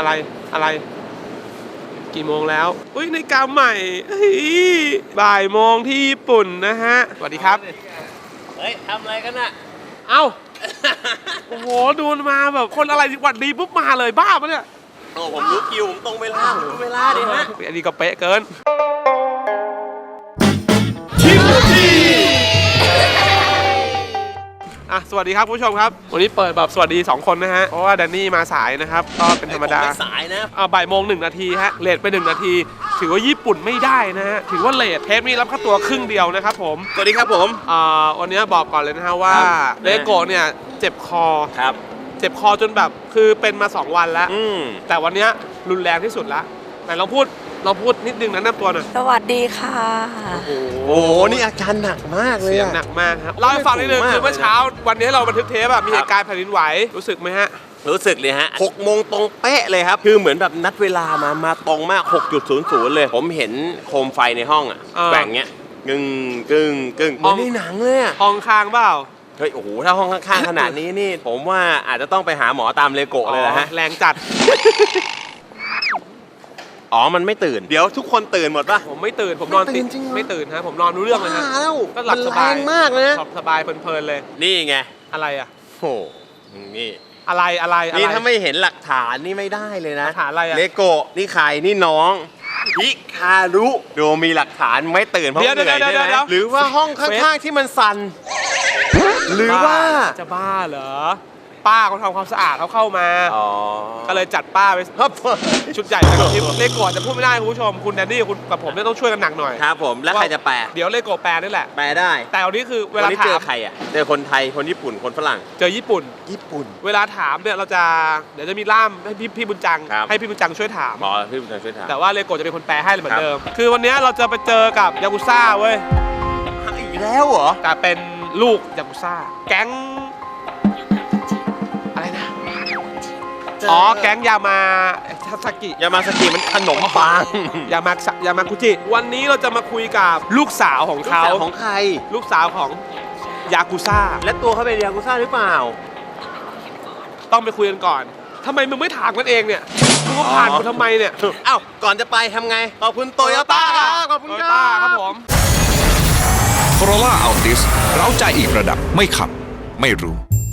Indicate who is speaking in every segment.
Speaker 1: อะไรกี่โมงแล้วอุ้ยนาฬิกาใหม่บ่ายโมงที่ญี่ปุ่นนะฮะสวัสดีครับ
Speaker 2: เฮ้ยทำอะไรกันน่ะ
Speaker 1: เอ้าโอ้โหดูมาแบบคนอะไรหวัดดีปุ๊บมาเลยบ้าปะเนี่ย
Speaker 2: โอ้ผมรู้คิวผมตรงเวลาผมรู้เวลาดิฮะ
Speaker 1: อันนี้ก็เป๊ะเกินสวัสดีครับผู้ชมครับวันนี้เปิดแบบสวัสดี2คนนะฮะเพราะว่าแดนนี่มาสายนะครับก็เป็นธรรมดา
Speaker 2: สายนะ
Speaker 1: บ่ายโมง1 นาทีฮะเลทไป1 นาทีถือว่าญี่ปุ่นไม่ได้นะฮะถือว่าเลทเทปนี้รับค่าตัวครึ่งเดียวนะครับผม
Speaker 2: สวัสดีครับผม
Speaker 1: วันนี้บอกก่อนเลยนะฮะว่าเลโก้เนี่ยเจ็บคอ
Speaker 2: ครับ
Speaker 1: เจ็บคอจนแบบคือเป็นมา2 วันแล้วแต่วันนี้รุนแรงที่สุดละแต่เราพูดนิดนึงนะแนะนำตัวหน่อย
Speaker 3: สวัสดีค่ะ
Speaker 2: โอ้โหนี่อาการหนักมากเลย
Speaker 1: เสียงหนักมากครับเล่าให้ฟังนิดนึงคือเมื่อเช้าวันนี้เราบันทึกเทปมีเหตุการณ์แผ่นดินไหวรู้สึกไหมฮะ
Speaker 2: รู้สึกเลยฮะ6 โมงตรงเป๊ะเลยครับคือเหมือนแบบนัดเวลามาตรงมาก 6.00 เลยผมเห็นโคมไฟในห้องแบ่งเงี้ยกึ่งเหมือนในหนังเลย
Speaker 1: ห้องข้างเปล่า
Speaker 2: เฮ้ยโอ้โหถ้าห้องข้างๆขนาดนี้นี่ผมว่าอาจจะต้องไปหาหมอตามเลโก้เลยนะฮะ
Speaker 1: แรงจัด
Speaker 2: มันไม่ตื่นเดี๋ยวทุกคนตื่นหมดป่ะ
Speaker 1: ผมไม่ตื่นผมนอนติดไม่ตื่นฮะผมนอนรู้เรื่องเลยฮะก็หลับสบาย
Speaker 2: มากเลยนะ
Speaker 1: สบายเพลินเลย
Speaker 2: นี่ไง
Speaker 1: อะไรอ่ะ
Speaker 2: โอ้นี่
Speaker 1: อะไร
Speaker 2: นี่ถ้าไม่เห็นหลักฐานนี่ไม่ได้เลยนะ
Speaker 1: หลักฐานอะไรอะ
Speaker 2: เลโก้นี่ใครนี่น้องฮิคารุดูมีหลักฐานไม่ตื่นเพราะเหนื่อยใช่ไหมหรือว่าห้องข้างๆที่มันสั่นหรือว่า
Speaker 1: จะบ้าเหรอป้าเขาทำความสะอาดเขาเข้ามาก็เลยจัดป้าไปชุดใหญ่แต่ทีเลโก้จะพูดไม่ได้คุณผู้ชมคุณแดนนี่คุณกับผมเนี่ยต้องช่วยกันหนักหน่อย
Speaker 2: ครับผมแล้วใครจะแปล
Speaker 1: เดี๋ยวเลโก้แปลนี่แหละ
Speaker 2: แปลได้
Speaker 1: แต่วันนี้คือเวลาถาม
Speaker 2: เจอใครอ่ะเจอคนไทยคนญี่ปุ่นคนฝรั่ง
Speaker 1: เจอญี่ปุ่นเวลาถามเนี่ยเราจะเดี๋ยวจะมีล่ามให้พี่บุญจังให้พี่บุญจังช่วยถาม
Speaker 2: พี่บุญจังช่วยถาม
Speaker 1: แต่ว่าเลโก้จะเป็นคนแปลให้เหมือนเดิมคือวันนี้เราจะไปเจอกับยากุซ่าเว้ย
Speaker 2: อีกแล้วเหรอ
Speaker 1: แต่เป็นลูกยากุซ่าแก๊งแก๊งยามาสกิ
Speaker 2: มันขนมปัง
Speaker 1: ยามากุจิวันนี้เราจะมาคุยกับลูกสาวของเขา
Speaker 2: ของใคร
Speaker 1: ลูกสาวของยากุซ่า
Speaker 2: และตัวเขาเป็นยากุซ่าหรือเปล่า
Speaker 1: ต้องไปคุยกันก่อนทำไมมึงไม่ถามกันเองเนี่ยมึงก็ผ่านกูทำไมเนี่ย
Speaker 2: ก่อนจะไปทำไงขอบคุณโตโยต้าขอบคุณ
Speaker 1: ครับผม
Speaker 4: Corolla Altis เร้าใจอีกระดับไม่ขับไม่รู้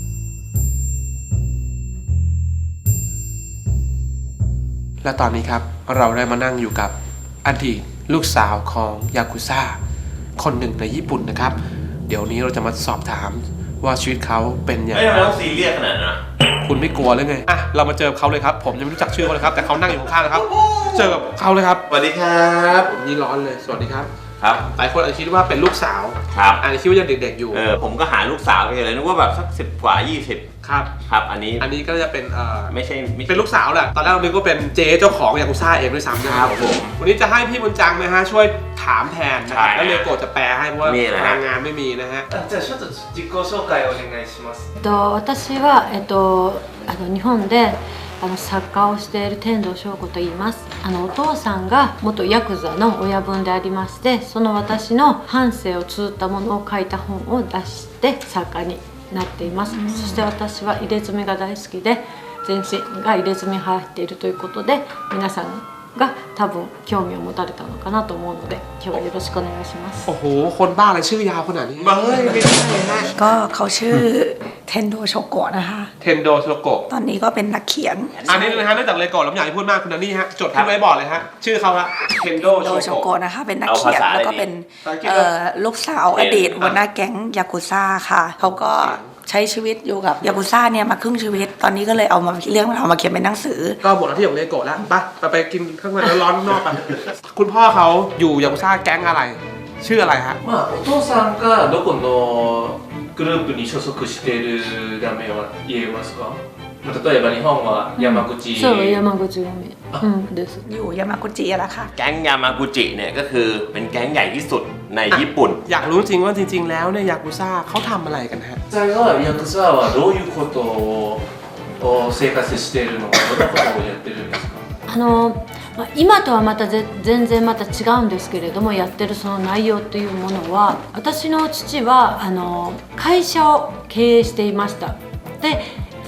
Speaker 1: และตอนนี้ครับเราได้มานั่งอยู่กับอดีตลูกสาวของยากุซ่าคนหนึ่งในญี่ปุ่นนะครับเดี๋ยวนี้เราจะมาสอบถามว่าชีวิตเขาเป็นอย่างไร
Speaker 2: ไม่ต้องซีเรียสขนาดนั้น
Speaker 1: คุณไม่กลัวหรือไงเรามาเจอเขาเลยครับผมยังไม่รู้จักชื่อเขาเลยครับแต่เขานั่งอยู่ข้างๆนะครับเจอกับเขาเลยครับ
Speaker 2: สวัสดีครับ
Speaker 1: ผมนี่ร้อนเลยสวัสดีครับ
Speaker 2: ห
Speaker 1: ลายคนอาจจะคิดว่าเป็นลูกสาวอาจจะคิดว่ายังเด็กๆอยู่
Speaker 2: ผมก็หาลูกสาวไปเลยนึกว่าแบบสัก10 กว่า 20ครับอันนี้
Speaker 1: ก็จะเป็น
Speaker 2: ไม่ใช่
Speaker 1: เป็นลูกสาวแหละตอนแรกเราคิดว่าเป็นเจ๊เจ้าของยากุซ่าเองด้วยซ้ำนะครับผมวันนี้จะให้พี่บุญจังนะฮะช่วยถามแทนนะครับแล้วเลโก้จะแปลให้เพราะว่าพลังงานไม่มีนะฮะ
Speaker 5: じゃあちょっと自己紹介をお願いします
Speaker 3: 私は日本で作家をしている天童翔子と言いますお父さんが元ヤクザの親分でありましてその私の半生を綴ったものを書いた本を出して作家になっていますそして私は入れ墨が大好きで全身が入れ墨入っているということで皆さんが多分興味を持たれたのかなと思うので今日はよろしくお願いします
Speaker 1: โอ้โหคนบ้าอะไรชื่อยาวขนาดนี้
Speaker 3: ไม่ใช่นะก็เขาชื่อเทนโดโชโกะนะคะ
Speaker 1: เทนโดโชโกะ
Speaker 3: ตอนนี้ก็เป็นนักเขียน
Speaker 1: อันนี้นะฮะเนื่องจากเลโก้เราไม่อยากให้พูดมากคุณนันนี่ฮะจดขึ้นไว้บอกเลยฮะชื่อเขาฮะเทนโด
Speaker 3: โชโกะนะคะเป็นนักเขียนแล้วก็เป็นลูกสาวอดีตหัวหน้าแก๊งยากุซ่าค่ะเขาก็ใช้ชีวิตอยู่กับยากุซ่าเนี่ยมาครึ่งชีวิตตอนนี้ก็เลยเอามาเขียนเป็นหนังสือ
Speaker 1: ก็หมดหน้าที่ของเลโก้แล้วไปกินข้างในร้อนๆนอกไปคุณพ่อเขาอยู่ยากุซ่าแก๊งอะไรชื่ออะไรฮะ
Speaker 5: お父さんがどこのグループに所属している名前は言えますか例えば日本は山口
Speaker 3: そう山口組ですอยู่ยามากุจิแล้วค่ะ
Speaker 2: แก๊งยามากุจิเนี่ยก็คือเป็นแก๊งใหญ่ที่สุดในญี่ปุ่น
Speaker 1: อยากรู้จริงว่าจริงๆแล้วเนี่ยยากุซ่าเขาทำอะไรกันฮะ
Speaker 5: ヤクザはどういうことを生活しているのかどんなことをやってるんですか
Speaker 3: 今とはまた全然また違うんですけれどもやってるその内容というものは私の父は会社を経営していましたで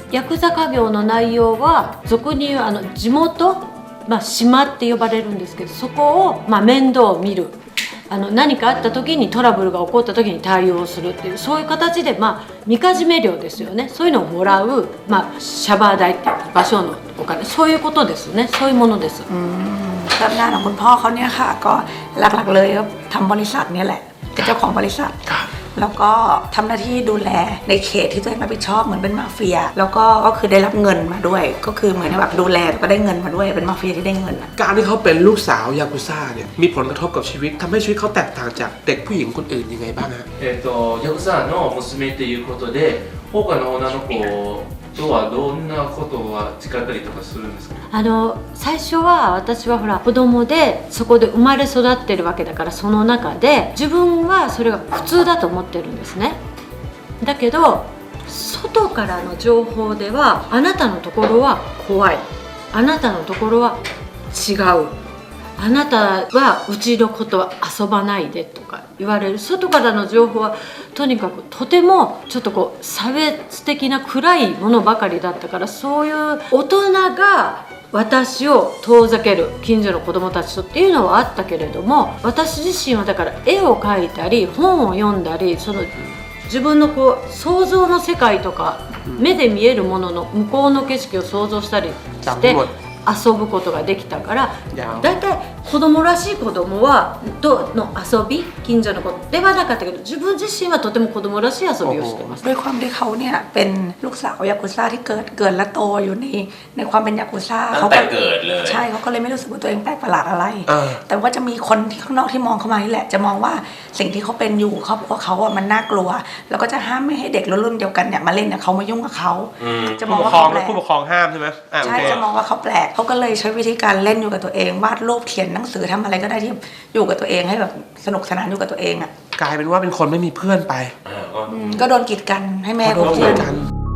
Speaker 3: ヤクザ家業の内容は俗に言う地元、島って呼ばれるんですけど、そこを、面倒を見る、何かあった時にトラブルが起こった時に対応するっていう、そういう形で、みかじめ料ですよね。そういうのをもらう、シャバー代っていう場所のお金、そういうことですね。そういうものです。
Speaker 6: เริ่มงานของคุณพ่อเขาเนี่ยค่ะก็หลักๆเลยก็ทำบริษัทเนี่ยแหละเป็นเจ้าของบริษัทแล้วก็ทำหน้าที่ดูแลในเขตที่ตัวเองรับผิดชอบเหมือนเป็นมาเฟียแล้วก็คือได้รับเงินมาด้วยก็คือเหมือนแบบดูแลแล้วก็ได้เงินมาด้วยเป็นมาเฟียที่ได้เงิน
Speaker 1: การที่เขาเป็นลูกสาวยากุซ่าเนี่ยมีผลกระทบกับชีวิตทำให้ชีวิตเขาแตกต่างจากเด็กผู้หญิงคนอื่นยังไงบ้างฮะ
Speaker 5: ヤクザの娘っていうことで他の女の子とはどんなことは誓ったりとかするんですか？
Speaker 3: 最初は私はほら子供でそこで生まれ育ってるわけだから、その中で自分はそれが普通だと思ってるんですね。だけど外からの情報ではあなたのところは怖い、あなたのところは違う、あなたはうちのことは遊ばないでとか言われる。外からの情報はとにかくとてもちょっとこう差別的な暗いものばかりだったから、そういう大人が私を遠ざける近所の子どもたちとっていうのはあったけれども、私自身はだから絵を描いたり本を読んだり、その自分のこう想像の世界とか目で見えるものの向こうの景色を想像したりして遊ぶことができたから、だいたい子供らしい子供はとの遊び、近所の子ではなかったけど、自分自身はとても子供らしい遊びをしてます。
Speaker 6: ด้วยความที่เขาเนี่ยเป็นลูกสาวยากุซ่าที่เกิดและโตอยู่ในความเป็นยากุซ่า
Speaker 2: ตั้งแต่เกิดเลย
Speaker 6: ใช่เขาก็เลยไม่รู้สึกว่าตัวเองแปลกประหลาดอะไร แต่ว่าจะมีคนที่ข้างนอกที่มองเข้ามานี่แหละจะมองว่าสิ่งที่เขาเป็นอยู่ครอบครัวเขาอ่ะมันน่ากลัวแล้วก็จะห้ามไม่ให้เด็กรุ่นเดียวกันเนี่ยมาเล่นกับเขามายุ่งกับเขาจะมองว่าเขาแปลก
Speaker 1: ผู้ปกครองห้ามใช่ไหม
Speaker 6: ใช่จะมองว่าเขาแปลกเขาก็เลยใช้วิธีการเล่นอยู่กับตัวเองวาดรูปเขียนหนังสือทำอะไรก็ได้ที่อยู่กับตัวเองให้แบบสนุกสนานอยู่กับตัวเองอ่ะ
Speaker 1: กลายเป็นว่าเป็นคนไม่มีเพื่อนไป
Speaker 6: ก็โดนกีดกันให้แม่
Speaker 1: โดน
Speaker 6: เขา
Speaker 1: กี
Speaker 6: เพื่อ
Speaker 1: ด
Speaker 6: น
Speaker 1: กัน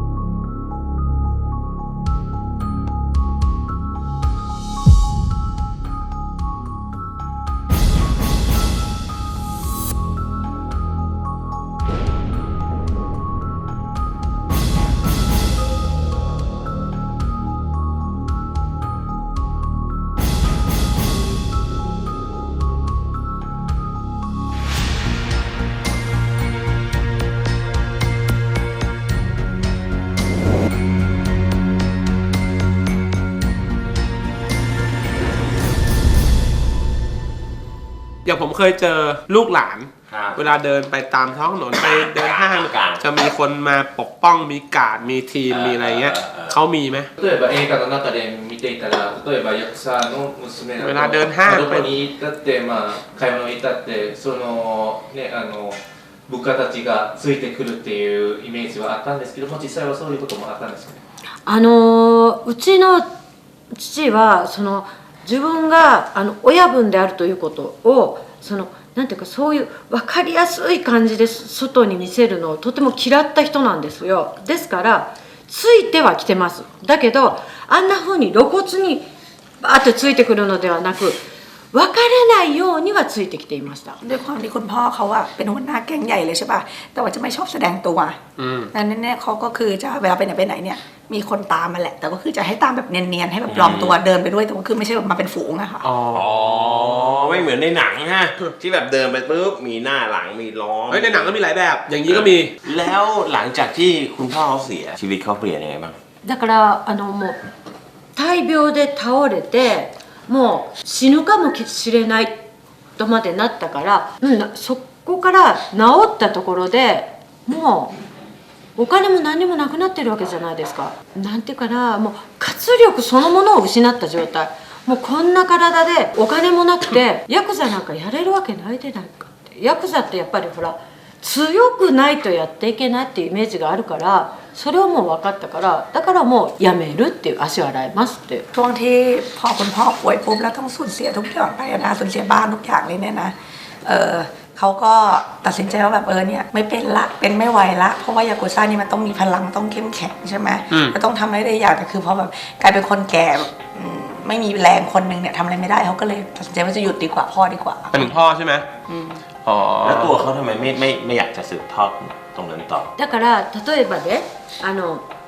Speaker 1: อย่างผมเคยเจอลูกหลาน เวลาเดินไปตามท้องถนนไปเดินห้างจะมีคนมาปกป้องมีการ์ดมีทีมมีอะไรเงี้ยเขามีไหม
Speaker 5: 例えば映画の中で見ていたら、例えばヤクザの娘だと
Speaker 1: เวลาเดินห้าง
Speaker 5: どこに行ったって、買い物に行ったってそのね部下たちがついてくるっていうイメージはあったんですけども、実際はそういうこともあったんですかね？
Speaker 3: うちの父はその自分が親分であるということをなんていうか、そういう分かりやすい感じで外に見せるのをとても嫌った人なんですよ。ですからついてはきてます。だけどあんな風に露骨にバーってついてくるのではなく、分からないようにはついてきていました。
Speaker 6: ด้วยความที่คุณพ่อเขาอะเป็นหัวหน้าแก๊งใหญ่เลยใช่ป่ะแต่ว่าจะไม่ชอบแสดงตัวนั้นเนี่ยเขาก็คือจะเวลาไปไหนเนี่ยมีคนตามมาแหละแต่ก็คือจะให้ตามแบบเนียนๆให้แบบปลอมตัวเดินไปด้วยแต่ว่าคือไม่ใช่แบบมาเป็นฝูงอะค่ะ
Speaker 2: อ๋อไม่เหมือนในหนังฮะที่แบบเดินไปปุ๊บมีหน้าหลังมีล้อม
Speaker 1: ในหนังก็มีหลายแบบอย่างนี้ก็มี
Speaker 2: แล้วหลังจากที่คุณพ่อเขาเสียชีวิตเขาเปลี่ยนยังไงบ้าง
Speaker 3: だからもう大病で倒れてもう死ぬかもしれないとまでなったから、そこから治ったところでもうお金も何もなくなってるわけじゃないですか。なんていうかな、もう活力そのものを失った状態。もうこんな体でお金もなくてヤクザなんかやれるわけないでないかって。ヤクザってやっぱりほら強くないとやっていけないっていうイメージがあるから、それはもう分かったから、だからもうやめるっていう、足を洗いますっていう。
Speaker 6: ช่วงที่พอคุณพ่อป่วยปุ๊บแล้วต้องสูญเสียทุกอย่างไปนะสูญเสียบ้านทุกอย่างเลยเนี่ยนะเขาก็ตัดสินใจว่าแบบเนี่ยไม่เป็นละเป็นไม่ไหวละเพราะว่ายากุซ่านี่มันต้องมีพลังต้องเข้มแข็งใช่ไหมมันต้องทำอะไรได้อย่างแต่คือพอแบบกลายเป็นคนแก่ไม่มีแรงคนหนึ่งเนี่ยทำอะไรไม่ได้เขาก็เลยตัดสินใจว่าจะหยุดดีกว่าพ่อดีกว่า
Speaker 1: เป็นพ่อใช่ไหม
Speaker 2: แล้วตัวเขาทำไมไม่อยากจะสืบทอดตรงนั้นต่อ
Speaker 3: だから例えばね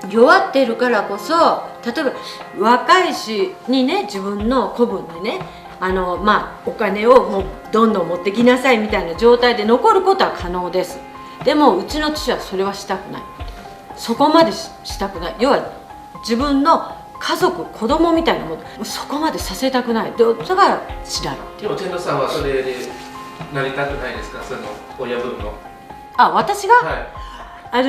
Speaker 3: 弱ってるからこそ、例えば若いしにね、自分の子分にね、お金をもうどんどん持ってきなさいみたいな状態で残ることは可能です。でもうちの父はそれはしたくない。そこまでしたくない。要は自分の家族、子供みたいなもの、そこまでさせたくない。だからしない。
Speaker 5: でも天童さんはそれでなりたくないですか、その親分の。
Speaker 3: 私が、
Speaker 5: はい。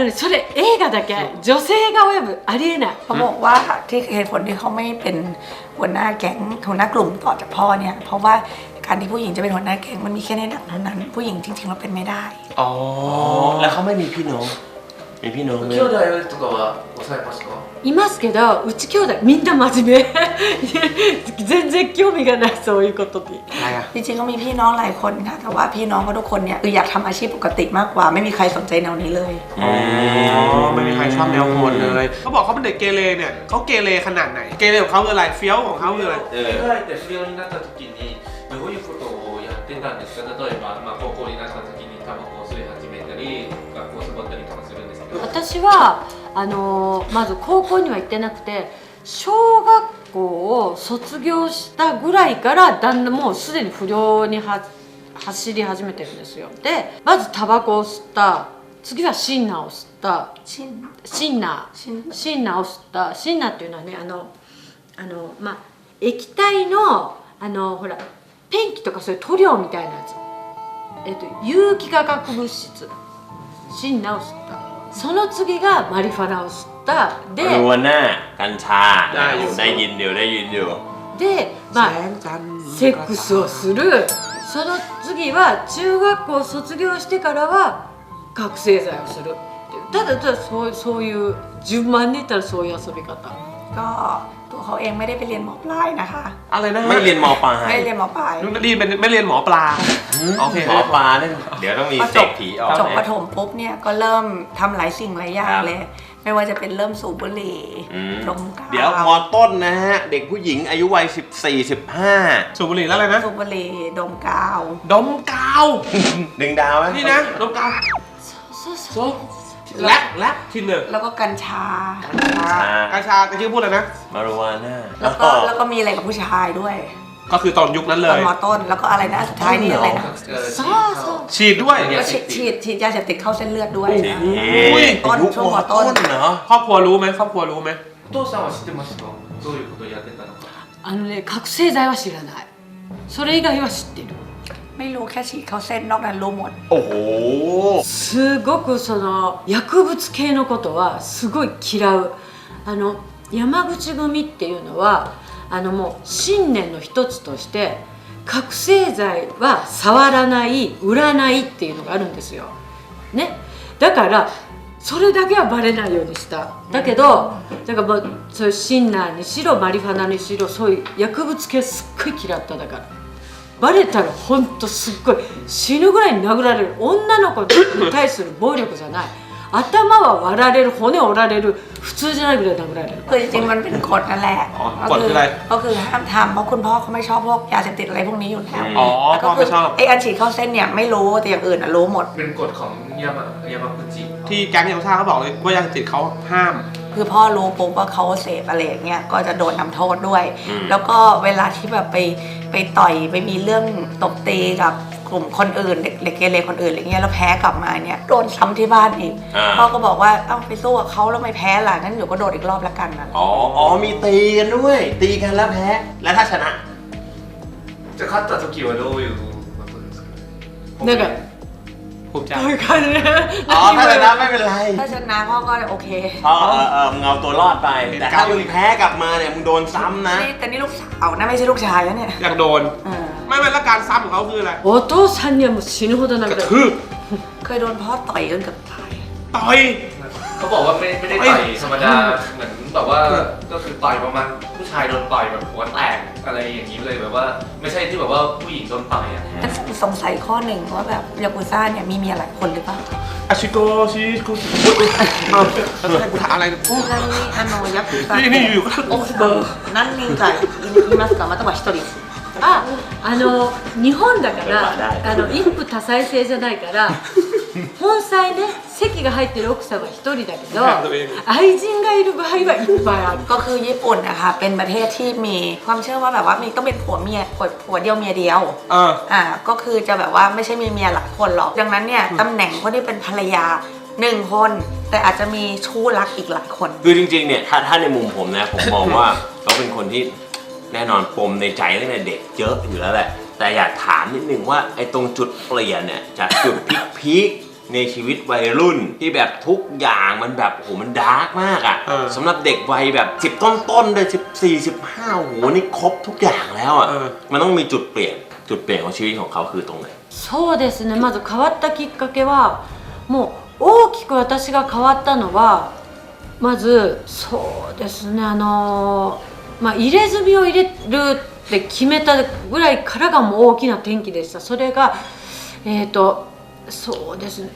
Speaker 3: それ映画だけ女性が親分ありえない。
Speaker 6: เขาบอกว่าที่เหตุผลที่เขาไม่เป็นหัวหน้าแก๊งหัวหน้ากลุ่มต่อจากพ่อเนี่ยเพราะว่าการที่ผู้หญิงจะเป็นหัวหน้าแก๊งมันมีแค่ในหนังเท่านั้นผู้หญิงจริงๆเราเป็นไม่ได้
Speaker 2: อ๋อแล้วเขาไม่มีพี่น้องมีพี่น้องไหม
Speaker 5: 兄弟とかは抑えますか？
Speaker 3: いますけど、うち兄弟みんな真面目全然興味がない、そういうことに。
Speaker 1: อะไรอ่ะ
Speaker 6: จริงๆก็มีพี่น้องหลายคนค่ะแต่ว่าพี่น้องเขาทุกคนเนี่ยคืออยากทำอาชีพปกติมากกว่าไม่มีใครสนใจแนวนี้เลย
Speaker 1: อ๋อไม่มีใครชอบแนวโหดเลยเขาบอกเขาเป็นเด็กเกเรเนี่ยเขาเกเรขนาดไหนเกเรของเขาคืออะไรเฟี้ยวของเขาคืออะไร
Speaker 5: 考えて不良になった時にどういうことをやってたんですか？例えば、高校になった時にタバコを吸い始めたり学校をサボったりとかするんですけど、
Speaker 3: 私はまず高校には行ってなくて、小学校を卒業したぐらいからだんだんもうすでに不良に走り始めてるんですよ。でまずタバコを吸った、次はシンナーを吸った、シンナーを吸った。シンナーっていうのはね、液体のほらペンキとかそういう塗料みたいなやつ、有機化学物質、シンナーを吸った。その次がマリファナを吸ったで、
Speaker 2: มารูวาน่ากัญชาได้ยินอยู่
Speaker 3: でセックスをする。その次は中学校を卒業してからは覚醒剤をするっていう。ただそういう順番で言ったらそういう遊び方。
Speaker 6: ก็ตัวเขาเองไม่ได้ไปเรียนหมอปลายนะคะ
Speaker 1: อะไรนะ
Speaker 2: ไม่เรียนมปลาย
Speaker 6: ไม่ได้เรียนหมอปลาย
Speaker 1: ไม่เรียนหมอปลาโอเค
Speaker 2: หมอปลาเนี่ยเดี๋ยวต้องมี
Speaker 6: พอ
Speaker 2: เส
Speaker 6: จ
Speaker 2: ก
Speaker 6: บ
Speaker 2: ผีออก
Speaker 6: จบประถมปุ๊บเนี่ยก็เริ่มทำหลายสิ่งหลายอย่าง
Speaker 2: ครับ
Speaker 6: เลย ไม่ว่าจะเป็นเริ่มสูบบุหรี่ดมกาว
Speaker 2: เดี๋ยวมต้นนะฮะเด็กผู้หญิงอายุวัย14-15
Speaker 1: สูบบุหรี่แล้วอะไรนะ
Speaker 6: สูบบุหรี่ดมกาว
Speaker 1: ดมกาว
Speaker 2: ดึงดาวไหม
Speaker 1: นี่นะดมกาว
Speaker 3: そう
Speaker 1: และที่หนึ่ง
Speaker 6: แล้วก็กัญชา
Speaker 1: กัญชาตะกี้พูดอะไรนะ
Speaker 2: มารูวาน่า
Speaker 6: แล้วก็มีอะไรกับผู้ชายด้วย
Speaker 1: ก็คือตอนยุคนั้นเล
Speaker 6: ตอน
Speaker 1: ย
Speaker 6: มต้นแล้วก็อะไรนะสุดท้ายนี่อะไรนะ
Speaker 1: ฉีดด้วย
Speaker 6: ก็ฉีดยาเสพติดเข้าเส้นเลือดด้วยนะ
Speaker 1: อุ้ย
Speaker 6: ต้น
Speaker 2: ยุค
Speaker 6: ช่วง
Speaker 2: ม
Speaker 6: มต้น
Speaker 2: เหรอ
Speaker 1: ครอบครัวรู้ไหมครอบครัวรู้ไหม
Speaker 5: お父さんは知ってますか？どういうことをやってたのか。
Speaker 3: 覚醒剤は知らない。それ以外は知ってる。
Speaker 6: ไม่รู้แค่ฉีดเข้าเส้นนอกนั้นรู้หมด
Speaker 2: โอ้โห
Speaker 3: すごくその薬物系のことはすごい嫌う。山口組っていうのはもう信念の一つとして覚醒剤は触らない売らないっていうのがあるんですよ、ね、だからそれだけはバレないようにした。だけどだからもうそういうシンナーにしろマリファナにしろそういう薬物系すっごい嫌っただからバレたらほんとすっごい死ぬぐらいに殴られる。女の子に対する暴力じゃない。頭は割られる、骨折られる、普通じゃないぐらい殴られる。
Speaker 6: คือจริงๆมันเป็นกฎนั่นแหละ
Speaker 1: กฎคืออะไร
Speaker 6: ก็คือห้ามทำเพราะคุณพ่อเขาไม่ชอบพวกยาเสพติดอะไรพวกนี้อยู่แล้ว
Speaker 1: อ๋อ
Speaker 6: แล้วก็
Speaker 1: พ่อไม่ชอบ
Speaker 6: ไอ้อันฉีดเข้าเส้นเนี่ยไม่รู้แต่อย่างอื่นอะรู้หมด
Speaker 5: เป็นกฎของยามากุจิ
Speaker 1: ที่แก๊งยากุซ่าเขาบอกเลยว่ายาเสพติดเขาห้าม
Speaker 6: คือพ่อรู้ปุ๊บว่าเขาเสพอะไรอย่างเงี้ยก็จะโดนทำโทษด้วย แล้วก็เวลาที่แบบไปต่อยไปมีเรื่องตบตีกับกลุ่มคนอื่นเด็กเกเรคนอื่นอะไรเงี้ยแล้วแพ้กลับมาเนี่ยโดนซ้ำที่บ้านอีกพ่อก็บอกว่าเอ้าไปสู้กับเขาแล้วไม่แพ้ล่ะงั้นเดี๋ยวก็โดนอีกรอบละกันนะ
Speaker 2: อ๋อมีตีกันด้วยตีกันแล้วแพ้แล้วถ้าชนะ
Speaker 5: จะ勝った時はどういうことですかね。
Speaker 3: なんか
Speaker 1: ภูมิใจ
Speaker 3: こういう感じで
Speaker 2: อ๋อถ้าชนะไม่เป็นไร
Speaker 6: ถ้าชนะพ่อก็โอเค
Speaker 2: มึงเอาตัวรอดไปแต่ถ้ามึงแพ้กลับมาเนี่ยมึงโดนซ้ำนะ
Speaker 6: แต่นี่ลูกสาวนะไม่ใช่ลูกชายนะเนี่ย
Speaker 1: อยากโดน ไม่แล้วการซ้ำของเขาคืออะไร
Speaker 3: お父さんにはもう死ぬほど
Speaker 1: ก
Speaker 3: 殴
Speaker 1: ระ
Speaker 3: られる
Speaker 1: ทืบ
Speaker 6: เคยโดนพ่อต่อยจนเกือบตาย
Speaker 1: ต่อย
Speaker 5: เขาบอกว่าไม่ได้ต่อยธรรมดาเหมือนแบบว่าก็คือต่อยประมาณผู้ชายโดนต่อยแบบหัวแตกอะไรอย่างนี้เลยแบบว่าไม่ใช่ที่แบบว่าผู้หญิงโดนต่อยอ่ะ
Speaker 6: สงสัยข้อหนึ่งว่าแบบยากุซ่าเนี่ยมีเมียหลายคนหรือเปล่า
Speaker 1: อาชิโกชิโกอ้าวแล้วให้กูถามอะไรโอ้
Speaker 6: ちなみにヤクザ
Speaker 1: นี่อยู่ก็
Speaker 6: 何人かいますかまたは一人
Speaker 3: 日本だから一夫多妻制じゃないから本妻ね籍が入ってる奥さんは1人だけど
Speaker 1: はい
Speaker 3: 愛人がいる場合はいっぱいある
Speaker 6: ก็คือญี่ปุ่นนะคะเป็นประเทศที่มีความเชื่อว่าแบบว่ามีต้องเป็นผัวเมียผัวเดียวเมียเดียว ก็คือจะแบบว่าไม่ใช่มีเมียหลายคนหรอกดังนั้นเนี่ยตำแหน่งคนที่เป็นภรรยา1 คนแต่อาจจะมีชู้รักอีกหลายคน
Speaker 2: คือจริงๆเนี่ยถ้าในมุมผมนะผมมองว่า เขาเป็นคนที่แน่นอนปมในใจตั้งแต่เด็กเยอะอยู่แล้วแหละแต่อยากถามนิดนึงว่าไอ้ตรงจุดเปลี่ยนเนี่ยจากจุดพีคในชีวิตวัยรุ่นที่แบบทุกอย่างมันแบบโอ้โหมันดาร์กมากอ่ะสำหรับเด็กวัยแบบ10ต้นๆเลย14 15โอ้โหนี่ครบทุกอย่างแล้วอ่ะมันต้องมีจุดเปลี่ยนของชีวิตของเขาคือตรงไหน
Speaker 3: そうですねまず変わったきっかけはもう大きく私が変わったのはまずそうですね入れ墨を入れるって決めたぐらいからがもう大きな転機でしたそれがそうですね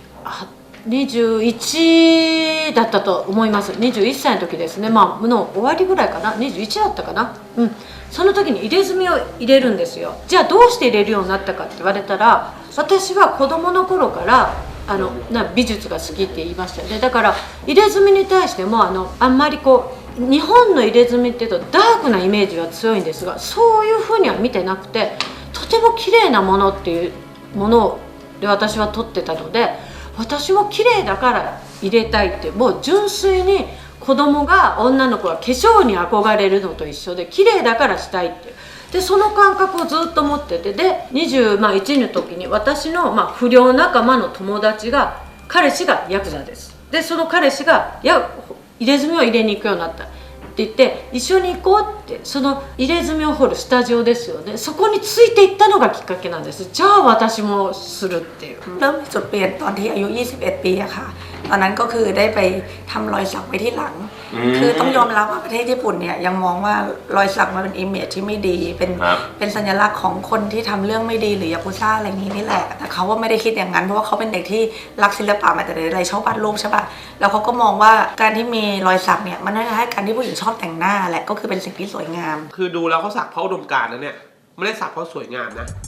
Speaker 3: 21だったと思います21歳の時ですねの終わりぐらいかな21だったかなその時に入れ墨を入れるんですよじゃあどうして入れるようになったかって言われたら私は子供の頃から美術が好きって言いましたよねだから入れ墨に対してもあんまり日本の入れ墨っていうとダークなイメージは強いんですがそういうふうには見てなくてとても綺麗なものっていうもので私は撮ってたので私も綺麗だから入れたいってもう純粋に子供が女の子が化粧に憧れるのと一緒で綺麗だからしたいってでその感覚をずっと持っててで21の時に私の不良仲間の友達が彼氏がヤクザですでその彼氏が入れ墨を入れに行くようになったって言って一緒に行こうってその入れ墨を彫るスタジオですよねそこについていったのがきっかけなんですじゃあ私もするっていう
Speaker 6: เริ่มมีจุดเปลี่ยนตอนที่อายุ21 ปีอะค่ะตอนนั้นก็คือได้ไปทำรอยสักไว้ที่หลังคือต้องยอมรับว่าประเทศญี่ปุ่นเนี่ยยังมองว่ารอยสักมันเป็นอิมเมจที่ไม่ดีเป็นสัญลักษณ์ของคนที่ทำเรื่องไม่ดีหรือยากุซ่าอะไรอย่างนี้นี่แหละแต่เขาว่าไม่ได้คิดอย่างนั้นเพราะว่าเขาเป็นเด็กที่รักศิลปะมาแต่เด็กอะไรชอบวาดรูปใช่ป่ะแล้วเขาก็มองว่าการที่มีรอยสักเนี่ยมันน่าจะให้การที่ผู้หญิงชอบแต่งหน้าแหละก็คือเป็นสิ่งที่สวยงาม
Speaker 1: คือดูแล้วเขาสักเพราะอุดมการณ์นะเนี่ยไม่ได้สักเพราะสวยงามนะ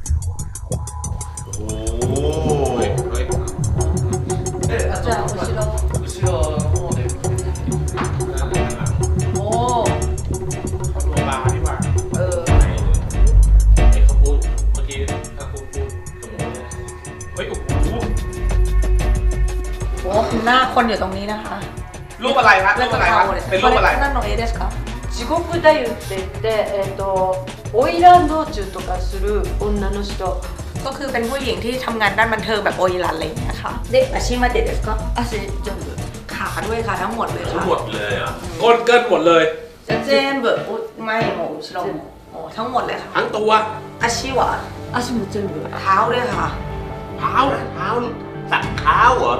Speaker 1: โอ้ย
Speaker 3: じゃあ後ろの方でおお
Speaker 1: ตัวบาร์นี่หว่า
Speaker 2: ไอ้เขาพูดเมื่อกี้ถ้าคุณพูด
Speaker 1: เฮ้ยโอ้โห
Speaker 6: โอ้หน้าคนอยู่ตรงนี้นะคะ
Speaker 1: รูปอะไรครับรูปอะไรครับเป็นรูปอะไร
Speaker 6: นั่นโนเอเดสครับ
Speaker 3: 地獄太夫って言って花魁道中とかする女の人
Speaker 6: ก็คือเป็นผู้หญิงที่ทำงานด้านบันเทิงแบบโออิรันอะไรอย่างเงี้ยค่ะเด็กอาชีพมาเด็ดก็
Speaker 3: 足全部
Speaker 6: ขาด้วยค่ะทั้งหมดเลย
Speaker 2: ทั้ง
Speaker 6: ค่ะ
Speaker 2: หมดเลยเหรอ่ะ
Speaker 1: ก้นเกินหมดเลย
Speaker 6: จะเจมเบอร์ไม่โมชิโร่โอ้ทั้งหมดเลยค่ะ
Speaker 1: ทั้งตัว
Speaker 6: อาชีวะ
Speaker 3: 足も全部
Speaker 6: เท้าด้วยค่ะ
Speaker 2: เท้าสักเท้าเหรอ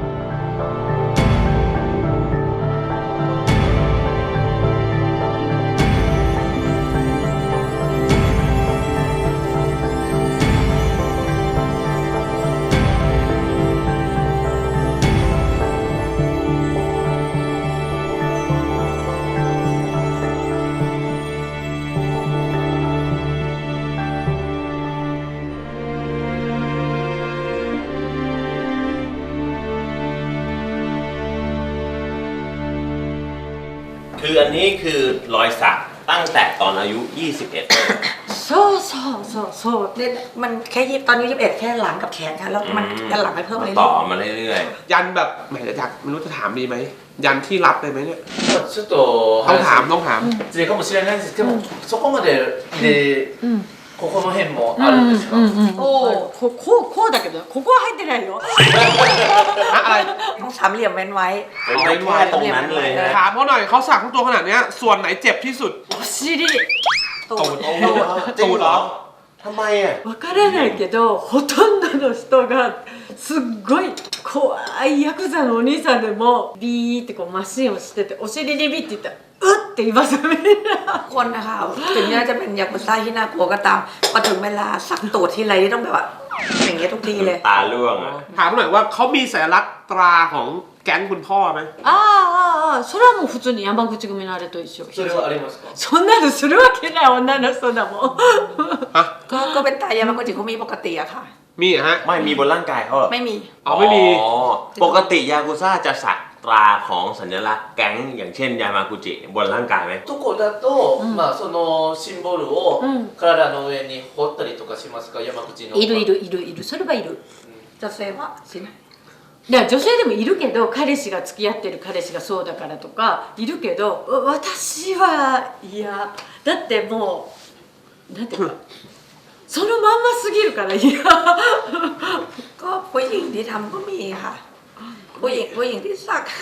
Speaker 2: คืออันนี้คือรอยสักตั้งแต่ตอนอายุ 21
Speaker 3: そうそうそうそう
Speaker 6: เนี่ยมันแค่ตอนนี้21แค่หลังกับแขนค่ะแล้วมันยันหลังไปเพิ่มเลย
Speaker 2: ต่อมาเรื่อย
Speaker 1: ยันแบบแหมอยากไม่รู้จะถามดีไหมยันที่รับเลยไหมเนี่ย
Speaker 5: ちょっと
Speaker 1: ต้องถามต้องถาม
Speaker 5: 失礼かもしれないですけど、そこまでで、ここの辺もあるんですか、
Speaker 3: おおこうだけどここは入ってないよ
Speaker 1: อะไร
Speaker 6: ต้องสามเหลี่ยมเว้นไว้
Speaker 2: ๆเป็นไม่แค่ตรงนั้นเลยนะ
Speaker 1: ถามเขาหน่อยเขาสักทั้งตัวขนาดเนี้ยส่วนไหนเจ็บที่สุด
Speaker 3: お尻
Speaker 6: ตูด
Speaker 2: จริงเหรอทำไมอ่ะ
Speaker 3: わからないけどほとんどの人がすっごい怖いヤクザのお兄さんでもビーってこうマシンをしててお尻にビッて言ったらうって言いますよみんな
Speaker 6: คนนะคะถึงแม้จะเป็นยากุซ่าที่น่ากลัวก็ตามพอถึงเวลาสักตูดทีไรนี่ต้องแบบว่าอย่างเงี้ยทุกทีเลย
Speaker 2: ตาล่วงอ่ะ
Speaker 1: ถามหน่อยว่าเขามีสัญลักษณ์ตราของแก๊งคุณพ่อไหม
Speaker 3: それはもう普通に山口組のあれと一緒
Speaker 5: それはありますか？
Speaker 3: そんなのするわけない女の人だもん
Speaker 6: ก็เป็นตายามาโกจิคุมิปกติอะค่ะ
Speaker 1: มีเหรอฮะ
Speaker 2: ไม่มีบนร่างกายเขาเหรอ
Speaker 6: ไม่มี
Speaker 1: อ๋อไม่มี
Speaker 2: อ๋อปกติยากุซ่าจะสักตราของสัญลักษณ์แก๊งอย่างเช่นยามากุจิบนร่างกายไหม
Speaker 5: どこだと、まあそのシンボルを体の上に彫ったりとかしますか、山口の。
Speaker 3: いるいるいるいるそれはいる
Speaker 6: จะเซว่าสินะ
Speaker 3: いや女性でもいるけど彼氏が付き合ってる彼氏がそうだからとかいるけど私はいやだってもうなんていうかそのまんますぎるからいや
Speaker 6: ก็ผู้หญิงที่ทำก็มีค่ะผู้หญิงที่สัก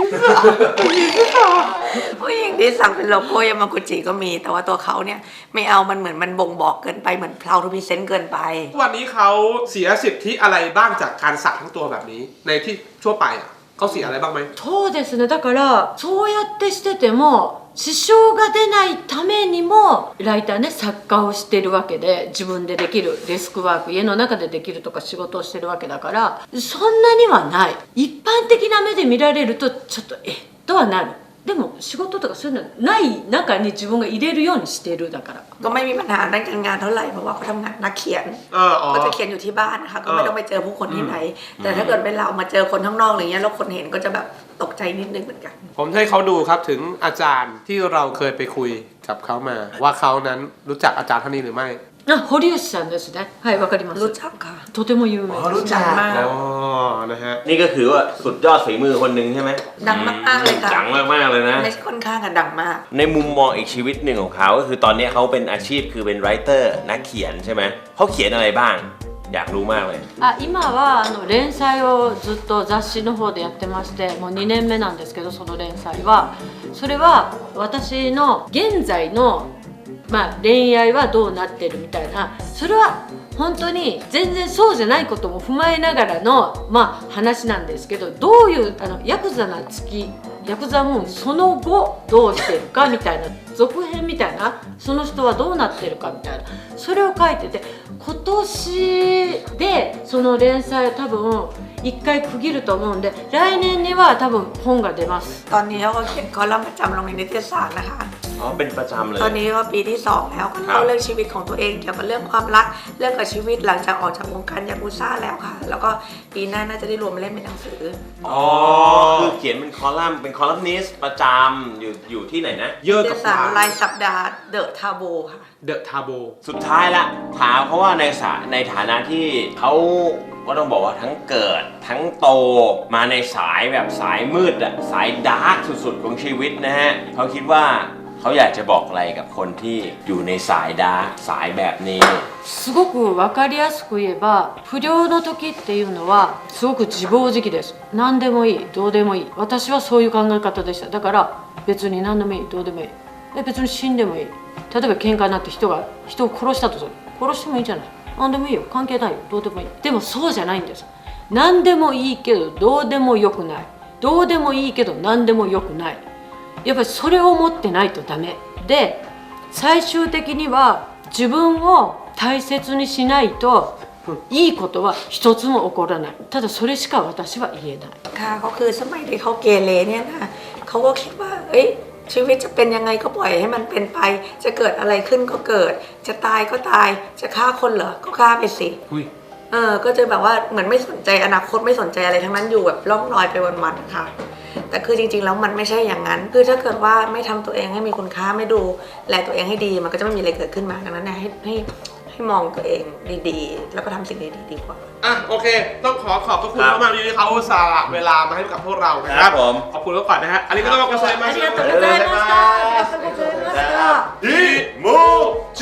Speaker 6: ผู้หญิงที่สักเป็นโลโก้ยามากุจิก็มี แต่ว่าตัวเขาเนี่ยไม่เอามันเหมือนมันบ่งบอกเกินไปเหมือนพราวทูพิเซนต์เกินไป
Speaker 1: วันนี้เขาเสียสิทธิอะไรบ้างจากการสักทั้งตัวแบบนี้ ในที่ทั่วไปอ่ะเขาเสียอะไรบ้างไหม
Speaker 3: そうですねだからそうやってしてても支障が出ないためにもライターね作家をしてるわけで自分でできるデスクワーク家の中でできるとか仕事をしてるわけだからそんなにはない一般的な目で見られるとちょっととはなるでも仕事とかそういうのない中に自分が入れるようにしてるだから
Speaker 6: ก็ไม่มีปัญหาด้านการงานเท่าไหร่เพราะว่าเขาทำงานนักเขียน
Speaker 1: อ๋อ
Speaker 6: ก็จะเขียนอยู่ที่บ้านนะคะก็ไม่ต้องไปเจอผู้คนที่ไหน แต่ถ้าเกิดเป็นเรามาเจอคนข้างนอกอะไรเงี้ยแล้วคนเห็นก็จะแบบตกใจนิดนึงเหมือนกัน
Speaker 1: ผมให้เขาดูครับถึงอาจารย์ที่เราเคยไปคุยกับเขามา ว่าเขานั้นรู้จักอาจารย์ท่านนี้หรือไม่
Speaker 3: 堀内さんですねはいわかります
Speaker 6: รู้จักค่ะ
Speaker 3: とても有名です
Speaker 2: รู้จัก
Speaker 6: มาก
Speaker 1: อ๋อนะฮะ
Speaker 2: นี่ก็คือว่าสุดยอดฝีมือคนหนึ่งใช่ไหม
Speaker 6: ดังมากๆเลยค่ะ
Speaker 2: ดังมากๆเลยนะ
Speaker 6: ไม่ใช่ค่อนข้างกันดังมาก
Speaker 2: ในมุมมองอีกชีวิตหนึ่งของเขาก็คือตอนนี้เขาเป็นอาชีพคือเป็นไรเตอร์นักเขียนใช่ไหมเขาเขียนอะไรบ้าง อยากรู้มากเลย
Speaker 3: 今は連載をずっと雑誌の方でやってましてもう2年目なんですけどその連載はそれは私の現在の、恋愛はどうなってるみたいなそれは本当に全然そうじゃないことも踏まえながらの、話なんですけどどういうヤクザな月ヤクザムーンその後どうしてるかみたいな続編みたいなその人はどうなってるかみたいなそれを書いてて今年でその連載を多分1回区切ると思うんで来年には多分本が出ます
Speaker 6: ตอนนี้เขาก็เขียนคอลัมน์ประจำลงในนิตยสารนะคะ
Speaker 2: อ๋อเป็นประจำเลย
Speaker 6: ตอนนี้ก็ปีที่ 2 แล้วก็เล่าเรื่องชีวิตของตัวเองเกี่ยวกับเรื่องความรักเรื่องกับชีวิตหลังจากออกจากวงการยากุซ่าแล้วค่ะ แล้วก็ปีหน้าน่าจะได้รวมมาเล่นเป็นหนังสือ
Speaker 2: อ๋อคือเขียนเป็นคอลัมน์เป็นคอลัมนิสต์ประจำอยู่ที่ไหนนะ
Speaker 1: เยอะ
Speaker 6: นิต
Speaker 1: กับ
Speaker 6: ย
Speaker 1: ค
Speaker 6: สาร
Speaker 1: วาม
Speaker 6: รายสัปดาห์เดอะทาโบค่ะ
Speaker 1: เดอะทาโบ
Speaker 2: สุดท้ายละถามเพราะว่าในฐานะที่เขาก็ต้องบอกว่าทั้งเกิดทั้งโตมาในสายแบบสายมืดอะสายดาร์กสุดๆของชีวิตนะฮะเขาคิดว่าเขาอยากจะบอกอะไรกับคนที่อยู่ในสายดาร์กสายแบบนี้
Speaker 3: すごく分かりやすく言えば不良の時っていうのはすごく自暴自棄です何でもいいどうでもいい私はそういう考え方でしただから別に何でもいいどうでもいい別に死んでもいい例えば喧嘩になって人を殺したとする殺してもいいじゃない何でもいいよ関係ないよどうでもいいでもそうじゃないんです何でもいいけどどうでもよくないどうでもいいけど何でもよくないやっぱりそれを持ってないとダメで最終的には自分を大切にしないといいことは一つも起こらないただそれしか私は言えない
Speaker 6: ค่ะเขาคือสมัยที่เขาเกเรเนี่ยนะเขาก็คิดว่าชีวิตจะเป็นยังไงก็ปล่อยให้มันเป็นไปจะเกิดอะไรขึ้นก็เกิดจะตายก็ตายจะฆ่าคนเหรอก็ฆ่าไปสิ
Speaker 1: อุ้ย
Speaker 6: ก็จะแบบว่าเหมือนไม่สนใจอนาคตไม่สนใจอะไรทั้งนั้นอยู่แบบล่องลอยไปวันๆค่ะแต่คือจริงๆแล้วมันไม่ใช่อย่างนั้นคือถ้าเกิดว่าไม่ทำตัวเองให้มีคุณค่าไม่ดูแลตัวเองให้ดีมันก็จะไม่มีอะไรเกิดขึ้นมาดังนั้นเนี่ยให้มองตัวเองดีๆแล้วก็ทำสิ่งดีๆดีกว่า
Speaker 1: อ่ะโอเค ต้องขอบพระคุณ
Speaker 2: ครับ
Speaker 1: มากๆที่เขาสละเวลามาให้กับพวกเรานะค
Speaker 2: ครั
Speaker 1: รับบ
Speaker 2: ผม
Speaker 1: ขอบคุณก่อนนะฮะอันนี้ก็ต้องกระเซ็นมา
Speaker 3: ありがとうございましたありがとうございました
Speaker 2: ดิมูจิ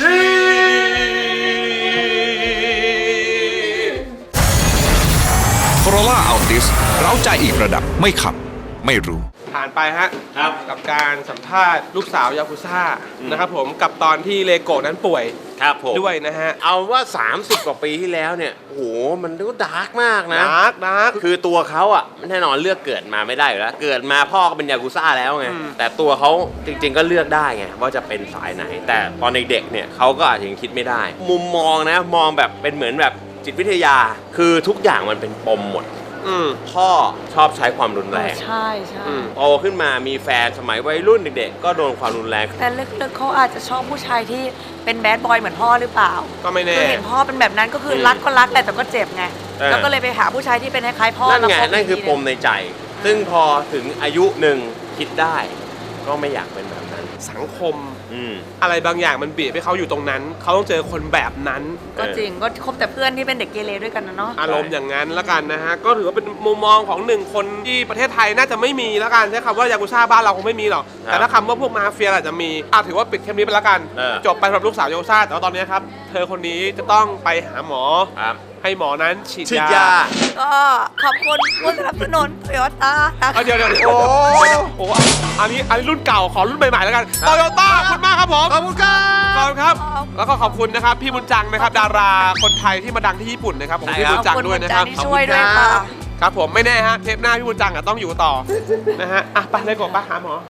Speaker 4: Corolla Altis เร้าใจอีกระดับไม่ขับ ไม่รู้
Speaker 1: ผ่านไปฮะ
Speaker 2: ครับ
Speaker 1: กับการสัมภาษณ์ลูกสาวยากุซ่านะครับผมกับตอนที่เลโกะนั้นป่วย
Speaker 2: ครับผม
Speaker 1: ด้วยนะฮะ
Speaker 2: เอาว่า 30 กว่าปีที่แล้วเนี่ยโอ้โหมันก็ดาร์กมากนะ
Speaker 1: ดาร์ก
Speaker 2: คือตัวเขาอ่ะแน่นอนเลือกเกิดมาไม่ได้อยู่แล้ว เกิดมาพ่อก็เป็นยากุซ่าแล้วไง แต่ตัวเขาจริงๆก็เลือกได้ไงว่าจะเป็นสายไหน แต่ตอนเด็กๆเนี่ยเขาก็อาจจะยังคิดไม่ได้ มุมมองนะมองแบบเป็นเหมือนแบบจิตวิทยา คือทุกอย่างมันเป็นปมหมดพ่อชอบใช้ความรุนแรง
Speaker 6: ใช่ใช่
Speaker 2: โตขึ้นมามีแฟนสมัยวัยรุ่นเด็กๆก็โดนความรุนแรง
Speaker 6: แต่ลึกๆเขาอาจจะชอบผู้ชายที่เป็นแบดบอยเหมือนพ่อหรือเปล่า
Speaker 1: ก็ไม่แน่
Speaker 6: คือเห็นพ่อเป็นแบบนั้นก็คือรักก็รักแต่ก็เจ็บไง แล้วก็เลยไปหาผู้ชายที่เป็นคล้ายๆพ่อ
Speaker 2: นั่น
Speaker 6: แล้ว
Speaker 2: ไง
Speaker 6: คบ
Speaker 2: นั่นคือ
Speaker 6: อีก
Speaker 2: ป
Speaker 6: ที
Speaker 2: ม
Speaker 6: หง
Speaker 2: ในใจ ซึ่งพอถึงอายุหนึ่งคิดได้ ก็ไม่อยากเป็นแบบนั้น
Speaker 1: สังคม
Speaker 2: อืม
Speaker 1: อะไรบางอย่างมันบีบให้เขาอยู่ตรงนั้น เขาต้องเจอคนแบบนั้น
Speaker 6: ก็จริงก็คบแต่เพื่อนที่เป็นเด็กเกเรด้วยกันนะเนาะ
Speaker 1: อารมณ์อย่างนั้นละกันนะฮะ ก็ถือว่าเป็นมุมมองของหนึ่งคนที่ประเทศไทยน่าจะไม่มีละกันใช้คำว่ายากุซ่าบ้านเราคงไม่มีหรอก
Speaker 2: ครับ
Speaker 1: แต่ถ้าคำว่าพวกมาเฟียอาจจะมีถือว่าปิดเทปนี้ไปละกัน จบไปสำหรับลูกสาวยากุซ่าแต่ว่าตอนนี้ครับ เธอคนนี้จะต้องไปหาหมอ
Speaker 2: ครับ
Speaker 1: ให้หมอนั้นฉีด
Speaker 2: ฉีด
Speaker 1: ยาย
Speaker 2: า
Speaker 6: ก็ขอบคุณผู้สนับสนุนโตโยต้านะคะ
Speaker 1: เดี๋ยวโอ้โหอันนี้รุ่นเก่าขอรุ่นใหม่ๆแล้วกันโตโยต้าขอบคุณมากครับผม
Speaker 2: ขอบคุณครับ
Speaker 1: ขอบคุณครับ แล้วก็ขอบคุณนะครับพี่บุญจังนะครับ ดาราคนไทยที่มาดังที่ญี่ปุ่นนะครับผมพี่บุญจังด้วยนะครับ
Speaker 6: ขอบคุณที่ช่วยด้วยค่ะ
Speaker 1: ครับผมไม่แน่ฮะเทปหน้าพี่บุญจังอ่ะต้องอยู่ต่อ นะฮะอ่ะไปเลยกบไปหาหมอ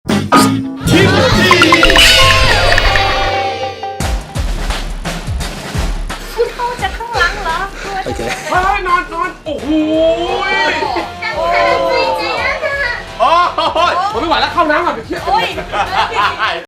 Speaker 1: คุณเข้าจะข้างหลังเหรอโอเคนอนโอ้โหโอ้ยผมไม่ไหวแล้วเข้าน้ำก่อนเดี๋ยวเครียด